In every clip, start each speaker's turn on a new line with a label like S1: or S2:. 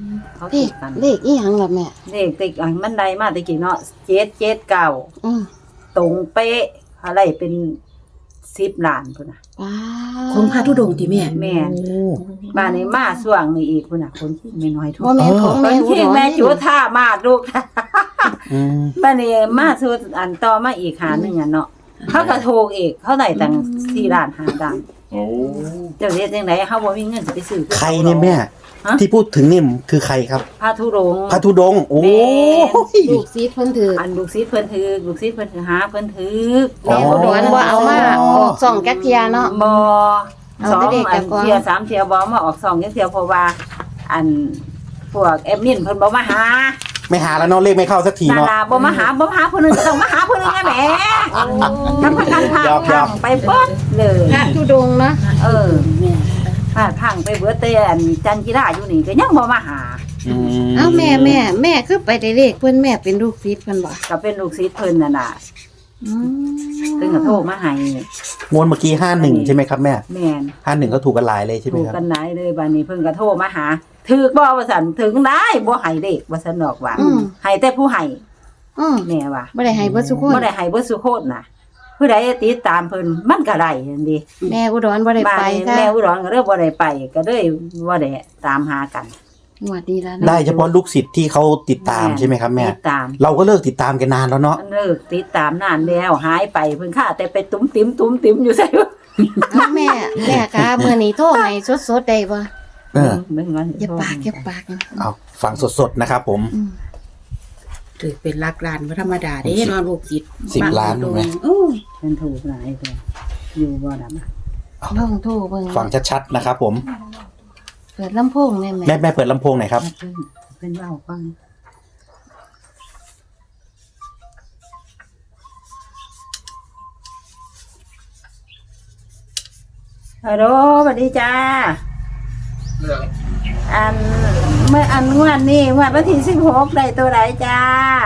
S1: เขา
S2: เล
S1: ถู
S2: ข
S1: กกัน
S2: เลขอีหยังล่ะแม่
S1: เลขติดอันมันได้มาตะกี้เนาะ779
S2: อืม
S1: ตรงเป๊ะอะไรเป็น10ล้านพุ่นน่ะ
S2: ว้า
S3: ของพระธุดงค์ติแม่
S1: แม่นบ้านนี้มาช่วงนี้อีกพุ่นน่ะคนที่ไม่น้อยทุก
S2: บ่แม่นของ
S1: ค
S2: แม่
S1: น
S2: อุ
S1: ที่
S2: ดร
S1: แม่จุ
S2: นี่
S1: ท่ามาลูก
S4: อืม
S1: บ้านนี้มาสู่อันต่อมาอีกหาหนึงอ่ะเนาะเขาก็ถูกอีกเขาได้ตั้ง4ล้าน5ล้าน
S4: โอ้
S1: เจ้าเฮ็ดจังได๋เฮาบ่มีเงินสิไปซื้อ
S4: ใครเนี่ยแม่
S1: ฮะ
S4: ที่พูดถึงนี่คือใครครับ
S1: พระธุดงค์
S4: พระธุดงค์โอ้ย
S2: ลูกศิษย์เพิ่นถือ
S1: อันลูกศิษย์เพิ่นถือลูกศิษย์เพิ่นถือหาเพิ่นถือ
S4: อ๋อ
S2: แม่อุดรบ่เอามาออกส่องจักเที่ยเนาะ
S1: บ่
S2: เอา
S1: สอง
S2: แต่เด็ก
S1: อั
S2: กับ
S1: น
S2: ก่อน
S1: เที่ย3เที่ยบ่มาออก2จังเที่ยเพราะว่า อันพวกแอดมินเพิ่นบ่มาหา
S4: ไม่หาแล้วเนาะเลขไม่เข้าสักที
S1: นา
S4: เนาะ
S1: ลาบ่มาหาผู้หนึงก็ต้องมาหาผู้หนึงไงแหมทำกันพา
S4: หยอก
S1: พังไปเบิดเลย
S2: พระธุดงค์เนาะ
S1: เออพาพังไปเบิดแต่อันจันกีฬาอยู่นี่ก็ยังบ่มาหา
S4: อืม
S2: เอ้าแม่คือไปได้เลขเพิ่นแม่เป็นลูกศิษย์เพิ่นบ่
S1: ก็เป็นลูกศิษย์เพิ่นน่ะน่ะ
S2: อืม
S1: เพิ่นก็โทรมาให้
S4: งวดเมื่อกี้51ใช่ไหมครับแม่
S1: แม่น
S4: 51ก็ถูกกันหลายเลยใช่ไหม
S1: ถูก
S4: ครับ
S1: กันหลายเลยบัดนี้เพิ่นก็โทรมาหาถึกบ่ว่าซั่นถึงได้บ่ให้เด็กว่าซั่นดอกว่าให้แต่ผู้ให้
S2: อืม
S1: แม่ว่า
S2: บ่ได้ให้เบิดทุกคน
S1: บ่ได้ให้เบิดสุโคตรน่ะผู้ใดติดตามเพิ่นมันก็ได้เห็นดิ
S2: แม่อุดรบ่ได้
S1: บ้าน
S2: ไป
S1: นี้
S2: ค่ะ
S1: แม่อุดรก็เลยบ่ได้ไปก็เลยบ่ได้ตามหากัน
S2: งวดนี้แล้ว
S4: ได้เฉพาะลูกศิษย์ที่เขาติดตามใช่ไหมครับแม่
S1: ติดตาม
S4: เราก็เลิกติดตามกันนานแล้วเนาะ
S1: เลิกติดตามนานแล้วหายไปเพิ่นค่าแต่ไปตุ้มติ๋มอยู่ไสวะ
S2: เอ้าแม่คะมื้อนี้โทรให้สดๆได้บ่
S4: เออ
S1: เบิ่งว่า
S2: อย่าปากอย่าปากนะ
S4: เอาฟังสดๆนะครับผม
S2: อืม
S3: ถือเป็นหลักล้านบ่ธรรมดาเด้เนาะลูกศิษย์
S4: 10ล้านถูกไหม
S3: โอ้
S1: เพิ่นถูกหลายตัวอยู่บ่ดำ
S2: ลองโทรเบิ่ง
S4: ฟังชัดๆนะครับผม
S2: เปิดลำโพงแม่
S4: แม่เปิดลำโพงหน่อยครับ
S1: เพิ่นเว้าฟังฮัลโหลสวัสดีจ้าอันเมื่ออันงวดนี้งวดวันที่16ได้ตัวใดจ้า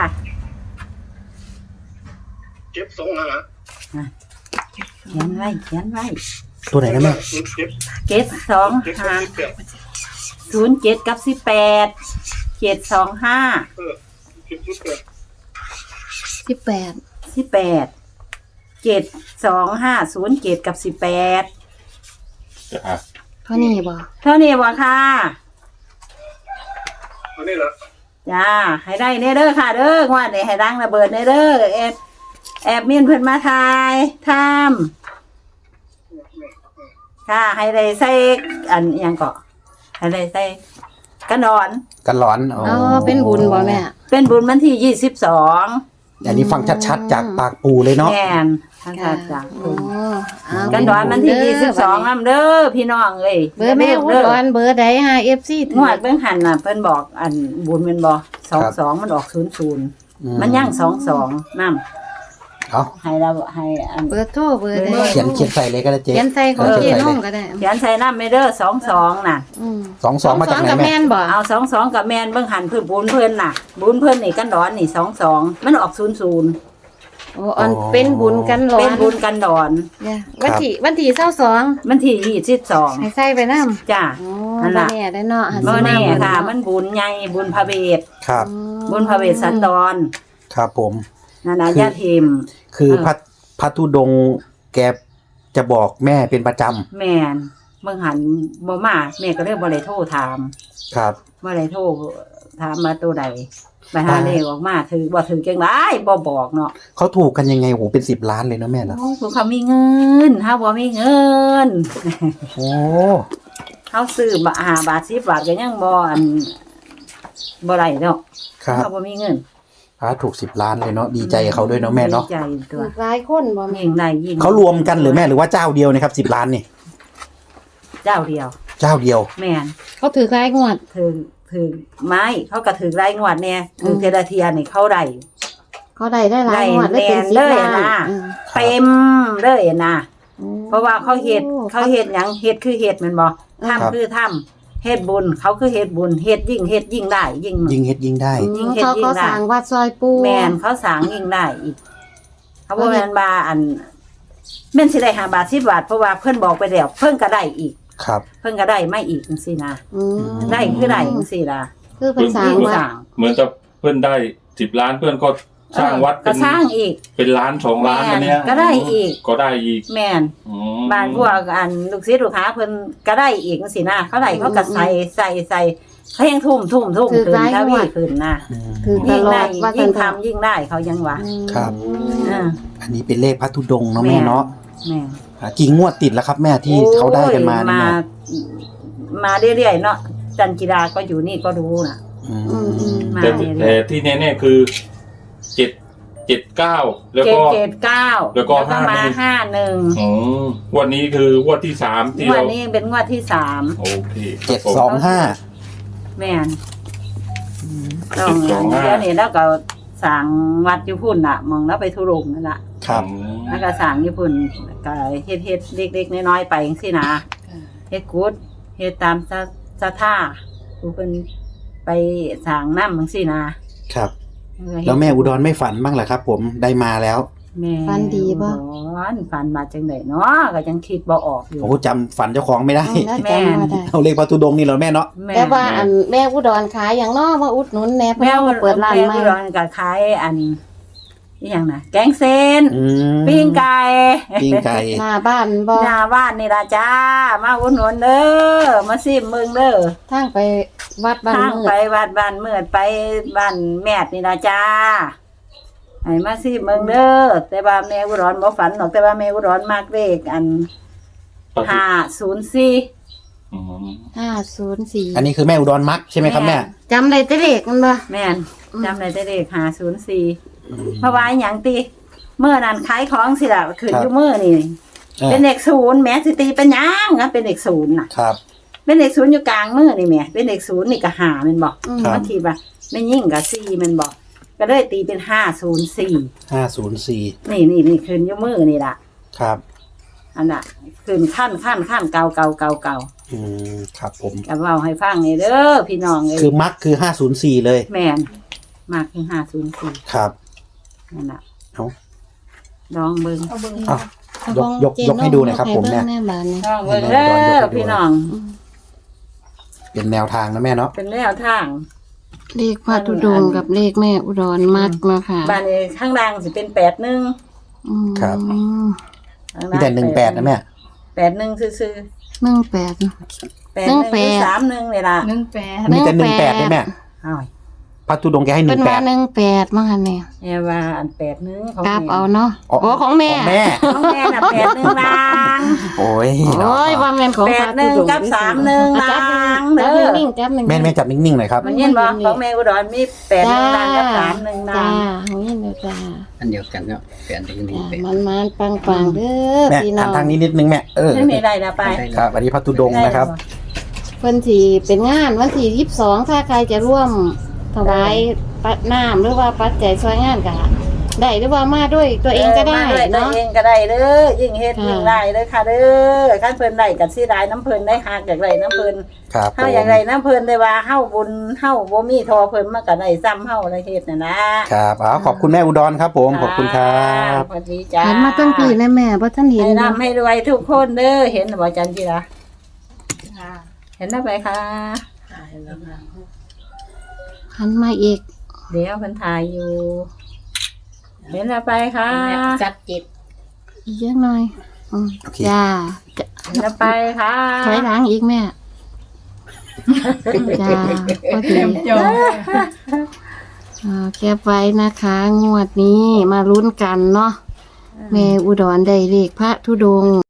S5: เจ็บสองหา
S1: เขียนไว้
S4: ตัวไหนนะแม่
S1: เจ็ดสอง
S5: เจ็ด
S1: ห้า
S5: สิบแปด
S1: 07กับ18 725
S5: เจ็ดสิบแปด
S2: 18
S1: 07 กับ18
S2: เท่านี้บ่
S1: เท่านี้บ่ค่ะ
S5: อันนี้แหละ
S1: จ้าให้ได้เด้อค่ะเด้องวดนี้ให้ดังระเบิดเด้อแอบมินเพิ่นมาทายทำค่ะให้ได้ใส่อันอิหยังเกาะให้ได้ใส่กระดอน
S4: กันร้อนอ๋อ
S2: อ๋อเป็นบุญบ่แม่
S1: เป็นบุญวันที่22
S4: อันนี้ฟังชัดๆจากปากปูเลยเนาะ
S1: แม่นท่านค่ะจ้า
S2: อ๋อเอา
S1: กันดอนวันที่22นำเด้อพี่น้องเอ้ย
S2: เบอร์แม่อุดรเบอร์ใดหา FC ถึ
S1: งวดเบิ่งหันน่ะเพิ่นบอกอันบุญแม่นบ่22มันออก00มันยัง22นำ
S4: เอา
S1: ให้เราให้อัน
S2: เบอร์โทรเบอร์ใด
S4: เขียนใส่เลยก็ได้เจ๊
S2: เขียนใส่ของเจ๊น้องก็ได้
S1: เขียนใส่น้ำไม่เด้อ22น่ะ
S2: อืม
S4: 22มาจากไหน
S2: กับ
S4: แม่
S2: แม่นบ่
S1: เอา22กับแม่นเบิ่งหันเพิ่นบุญเพิ่นน่ะ บุญเพิ่นนี่กันดอนนี่22มันออก00
S2: โอ้อันเป็นบุญกันหลอ
S1: เป็น
S2: น
S1: บุญกันดอน
S2: เนี่ยวันที่22
S1: มันที่22
S2: ให้ใส่ไปนำ
S1: จ้า
S2: อ๋อ
S1: นั่น
S2: บ่
S1: ล่ะ
S2: แน่ได้เนาะหัน
S1: บ่
S2: สิ
S1: แน่
S2: มา
S1: ค่ะ
S2: เนา
S1: มันบุญใหญ่บุญพระเวท
S4: ครับ
S1: บุญพระเวทสันดร
S4: ครับผม
S1: นั่นน่ะญาติเทม
S4: คือพระธุดงค์แกจะบอกแม่เป็นประจ
S1: แม่นเบิ่งหันบ่มาแม่ก็เลยบ่ได้โทรถาม
S4: ำครับ
S1: บ่ได้โทรถามมาตัวใดไปหาเลขออกมาถือบ่ถือจังได๋บ่บอกเนาะ
S4: เขาถูกกันยังไงโหเป็น10 ล้านเลยเนาะแม่เนาะ
S1: โอ้คือเขามีเงินเฮาบ่มีเงิน
S4: โอ้
S1: เฮาซื้อมา5 บาท10 บาทก็ยังบ่อันบ่ได้เนาะ
S4: ครับ
S1: เฮาบ่มีเงิน
S4: พระถูก10 ล้านเลยเนาะดีใจกับเขาด้วยเนาะแม่เนาะ
S1: ดีใจตัว
S2: หลายคนบ่แม่
S1: ยิ่งได้ยิ่ง
S4: เขารวมกันหรือแม่หรือว่าเจ้าเดียวนะครับ10 ล้านนี่
S1: เจ้าเดียว
S4: เจ้าเดียว
S1: แม่น
S2: เขาถือรายงวด
S1: ถือไม้เขาก็ถือรายงวดเนี่ยถือเทระเทียนี่เขาได้
S2: เขาได้หลายงวด
S1: ได้
S2: เป็น
S1: แน่
S2: 10
S1: เลย
S2: ล้าน
S1: นะ
S2: อืม
S1: เต็มเลยนะ
S2: อืม
S1: เพราะว่าเขาเฮ็ดหยังเฮ็ดคือเฮ็ดแม่นบ่ทำคือทำเฮ็ดบุญเขาคือเฮ็ดบุญเฮ็ดยิ่งได้ยิ่ง
S4: ยิงเฮ็ดยิงได้
S1: ยิ่งเฮ็ด
S2: เขา
S1: ยิ่ง
S2: ก็
S1: ได้
S2: สร้างวัดซอยปู
S1: แม่นเขาสร้างยิ่งได้อีกเขาบ่แม่นว่าอันแม่นสิได้5 บาท10 บาทเพราะว่าเพิ่นบอกไปแล้วเพิ่นก็ได้อีก
S4: ครับ
S1: เพิ่นก็ได้ไม่อีกจังซี่นะ
S2: อืม
S1: ได้คือได้จังซี่ล่ะ
S2: คือเป็นสร้าง
S1: ยิ่ง
S2: วัด
S1: สร้าง
S6: เหมือนจะเพื่อนได้10 ล้านเพื่อนก็สร้างวัด
S1: ก็สร้างอีก
S6: เป็นล้าน2 ล้านอันเนี้ย
S1: ก็ได้อีก
S6: ก็ได้อีก
S1: แม่น
S6: อืม
S1: บ้านพวกอันลูกศิษย์ลูกหาเพิ่นก็ได้อีกจังซี่นะเขาได้เขาก็ใส่เขายังทุ่มขึ้นทวีขึ้นนะ
S2: คือต
S1: ยิ่ง
S2: ลอ
S1: ได้
S2: ดว่า
S1: ยิ่ง
S2: ทำ
S1: ทำยิ่งได้เขายังว่า
S4: ครับ
S1: อ่า
S4: อันนี้เป็นเลขพระธุดงค์เนาะแม่เนาะ
S1: แม่
S4: กี่งวดติดแล้วครับแม่ที่เขาได้กันมาเนี่ยแม่
S1: มาเรื่อยๆเนาะจันจิราก็อยู่นี่ก็รู้น่ะ
S4: อืม
S1: มา
S6: แต่
S1: เรื่
S6: แต่
S1: อย
S6: ที่แน่ๆคือ779แล้วก็
S1: 779
S6: แล้วก็
S1: มา 51
S6: อืมวันนี้คืองวดที่3ที่
S1: งวด
S6: เรา
S1: นี้เป็นงวดที่3
S6: โอเค
S4: 725
S1: แม่นต้องเดี๋ยวนี้แล้วก็สั่งวัดอยู่พุ่นน่ะมองแล้วไปทุรงนั่นล่ะ
S4: ครับ
S1: แล้วก็สั่งอยู่พุ่นก็เฮ็ดเล็กๆน้อยๆไปจังซี่นะเฮ็ดกุดเฮ็ดตามศรัทธาผู้เพิ่นไปสั่งนำจังซี่นะครับ
S4: แล้วแม่อุดรไม่ฝันบ้างเหรอครับ ผมได้มาแล้ว
S1: แม่
S2: ฝันดีบ่
S1: ฝันมาจังได๋เนาะก็ยังคิดบ่ออกอยู่
S4: โอ้จำฝันเจ้าของไม่ได้
S2: แม่ได้
S4: เอาเลขพระธุดงค์นี่เหรอแม่เนาะ
S2: แต่ว่าอันแม่อุดรขายอย่างน้อมาอุดหนุนแน่เพิ่น
S1: แม่
S2: มาเปิดร้านใหม่
S1: แม่อุดรก็ขายอันอีหยังน่ะแกงเส้น
S4: อืม
S1: ปิ้งไก่
S4: ปิ้งไก่
S2: หน้าบ้านบ่
S1: หน้าบ้านนี่ล่ะจ้ามาอุดหนุนเด้อมาซิมมึงเด้อ
S2: ทางไปวัดบ้าน
S1: ทาง
S2: มื
S1: ไป
S2: ด
S1: วัดบ้านเมือดไปบ้านแม่ดนี่ล่ะจ้าให้มาซิมมึงเด้อแต่ว่าแม่อุดรบ่ฝันหรอกแต่ว่าแม่อุดรมักเลขอัน504
S6: อืม
S2: 504
S4: อันนี้คือแม่อุดรมักใช่ไหมครับแม่
S2: จำได้แต่เลขมันบ่
S1: แม่นจำได้แต่เลข504เพราะว่าหยังติเมื่อนั้นขายของสิล่ะขึ้นอยู่มื้อนี่เป็นเลข0แหม่สิตีเป็นหยังนะเป็นเลข0น่ะ
S4: ครับ
S1: เป็นเลข0อยู่กลางมือนี่แหม่เป็นเลข0นี่ก็5แม่นบ่
S4: ครับ
S1: บางทีว่าไม่ยิ่งก็4แม่นบ่ก็เลยตีเป็น504
S4: 504
S1: นี่ขึ้นอยู่มือนี่ล่ะ
S4: ครับ
S1: อันน่ะขึ้นขั้นเก่า
S4: อืมครับผม
S1: ก็เว้าให้ฟังนี่เด้อพี่น้องเอ้ย
S4: คือมักคือ504เลย
S1: แม่นมากคือ504
S4: ครับ
S1: นั่นน่ะ
S4: เอา
S1: ลองเบิ่ง
S4: เอายกให้ดูหน่อยครับผมเนี่ย
S2: แม่บ้านนี่
S1: ลองเบิ่งเด้อพี่น้อง
S4: เป็นแนวทางนะแม่เนาะ
S1: เป็นแนวทาง
S2: เลขพระธุดงค์กับเลขแม่อุดรมักเนาะค่ะ
S1: บ้านนี้ข้างล่างสิเป็น81
S2: อืม
S4: ครับ
S1: ข้าง
S4: มี
S1: ล่าง
S4: แต่18นะแม่
S1: 81ซื่อ
S2: 18
S1: ๆ81หรือ31นี่ล่ะ
S4: มีแต่18ได้แม่
S1: อ้าว
S4: พระธุดงค์แกให้
S2: เป็นว่า
S4: 18
S2: 18มั้งค่ะเนี่ย
S1: แม่ว่าอัน81ของ
S2: กลับ
S1: แม่
S2: เอาเนาะ
S4: อ๋อ
S2: โอ้ของแม่
S4: ของแม่
S1: ของแม่น่ะ81ล่าง
S4: โอ้ย
S2: โอ้ยว่าแม่นของพระธุดงค์
S1: 81กับ31ล่างเด้อ
S2: นิ่งๆจับนิ่งๆ
S4: แม่จับนิ่งๆหน่อยครับ
S1: มันยินบ่ของแม่อุดรมี81ล่างกับ31ล่า
S2: จ้าง ของยินเด้อจ้า
S7: อันเดียวกันเนาะแปดหนึ่ง
S2: จ้า
S7: แปด
S2: มันปังๆเด้อ
S4: แม่
S2: พี่น้
S4: หั
S2: อน ง
S4: ทางนี้นิดนึงแม่
S1: ไม่มีได้นะไป
S4: ครับอันนี้พระธุดงค์นะครับ
S2: เพิ่นสิเป็นงานวันที่22ถ้าใครจะร่วมถวายปัดน้ำหรือว่าปัจจัยช่วยงานก็ได้หรือว่ามาด้วยตัวเองก็ได้
S1: มาด้วยตัว
S2: เนาะ
S1: เองก็ได้เด้อยิ่งเฮ็ด
S2: ค่ะ
S1: ยิ่งได้เด้อค่ะเด้อคันเพิ่นได้ก็สิได้น้ำเพิ่นได้หากอยากได้น้ำเพิ่น
S4: ครับผ
S1: เฮาม อยากได้น้ำเพิ่นได้ว่าเฮาบุญเฮาบ่มีทอเพิ่นมันก็ได้ซ้ำเฮาได้เฮ็ดน่ะนะครับ
S4: ขอบคุณแม่อุดรครับผมขอบคุณครับ
S1: สวัสดีจ้า
S2: เห็นมาตั้งปีนะแม่บ่ทันเห็น
S1: ให้
S2: เนาะ
S1: ร่ำให้รวยทุกคนเด้อเห็นบ่จันจิราเห็นได้ไหมคะ
S2: หันมาอีก
S1: เดี๋ยวเพิ่นถ่ายอยู่ เห็นแล้วไปค่ะ
S3: จัดเจ็ด
S2: อีกยังหน่อยอืม
S4: โอเค
S2: จ้า
S1: เห็นแล้วไปค่ะ
S2: ถอยหลังอีกแม่จ้าพอดีแคปไว้นะคะ งวดนี้มาลุ้นกันเนาะแม่อุดรได้เลขพระธุดงค์